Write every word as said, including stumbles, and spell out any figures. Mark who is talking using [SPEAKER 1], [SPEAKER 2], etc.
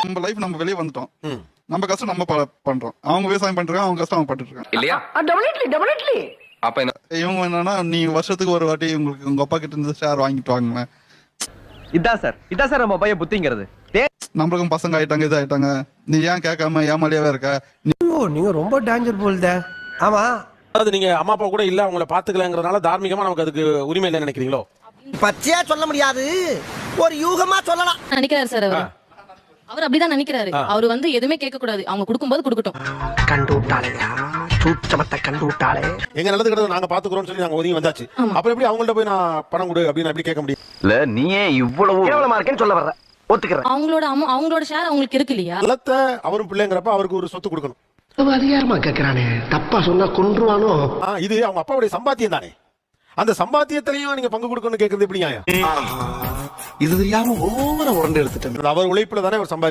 [SPEAKER 1] நம்ம லைஃப் நம்ம வெளியே வந்துட்டோம், நம்ம கஷ்டம் நம்ம பண்றோம், அவங்க விவசாயம் பண்றாங்க, அவங்க கஷ்டம் அவங்க பட்டுட்டு இருக்காங்க
[SPEAKER 2] இல்லையா?
[SPEAKER 3] Definitely definitely.
[SPEAKER 2] அப்ப என்ன
[SPEAKER 1] இவங்க என்னன்னா, நீ வருஷத்துக்கு ஒரு வாட்டி உங்களுக்கு உங்க அப்பா கிட்ட இருந்து ஷேர் வாங்கிட்டு வாங்க.
[SPEAKER 4] இதான் சார் இதான் சார் நம்ம பையன் புத்திங்கிறது.
[SPEAKER 1] நம்மளுக்கும் பசங்க ஆயிட்டாங்க, இது ஆயிட்டாங்க, நீ ஏன் கேட்காம ஏமாலியாவே இருக்க?
[SPEAKER 5] நீங்க ரொம்ப டேஞ்சர் போல்தே. ஆமா,
[SPEAKER 6] அதாவது நீங்க அம்மா அப்பா கூட இல்ல அவங்கள பாத்துக்கலங்கிறதுனால தார்மீகமா நமக்கு அதுக்கு உரிமை இல்லைன்னு நினைக்கிறீங்களோ?
[SPEAKER 5] பச்சையா சொல்ல முடியாது, ஒரு யூகமா சொல்லலாம்
[SPEAKER 7] நினைக்கிறாரு சார் அவர். அவர் அப்படிதான் நினைக்கிறாரு. அவரு வந்து எதுவுமே கேட்க கூடாது, அவங்க கொடுக்கும்போது கொடுக்கட்டும்.
[SPEAKER 5] கண்டு விட்டாளையா, சூட்சமத்தை கண்டு விட்டாளே.
[SPEAKER 6] எங்க நல்லது கிட்ட நாங்க பாத்துக்கிறோம் சொல்லி நாங்க ஒதுங்கி வந்தாச்சு. அப்புறம் எப்படி அவங்கள்ட்ட போய் நான் பணம் கொடு அப்படின்னு எப்படி கேட்க முடியும்?
[SPEAKER 4] இல்ல நீயே இவ்வளவு
[SPEAKER 5] கேவலமா இருக்கேன்னு சொல்ல வர்ற, ஒத்துக்கிறேன்.
[SPEAKER 7] அவங்களோட அம்மா அவங்களோட ஷேர் அவங்களுக்கு இருக்கு இல்லையா?
[SPEAKER 6] நிலத்தை அவரும் பிள்ளைங்கிறப்ப அவருக்கு ஒரு சொத்து கொடுக்கணும்.
[SPEAKER 5] அதிகாரமா கேக்குறானே, தப்பா சொன்னா கொன்றுவானோ.
[SPEAKER 6] இது அவங்க அப்பாவுடைய சம்பாத்தியம் தானே, அந்த சம்பாத்தியத்திலையும் நீங்க பங்கு கொடுக்கணும்னு கேட்கறது எப்படி நியாயம்?
[SPEAKER 5] இது தெரியாம ஒவ்வொரு உரண்டு எடுத்துட்டேன்.
[SPEAKER 6] அவர் உழைப்புல தானே அவர் சம்பாதி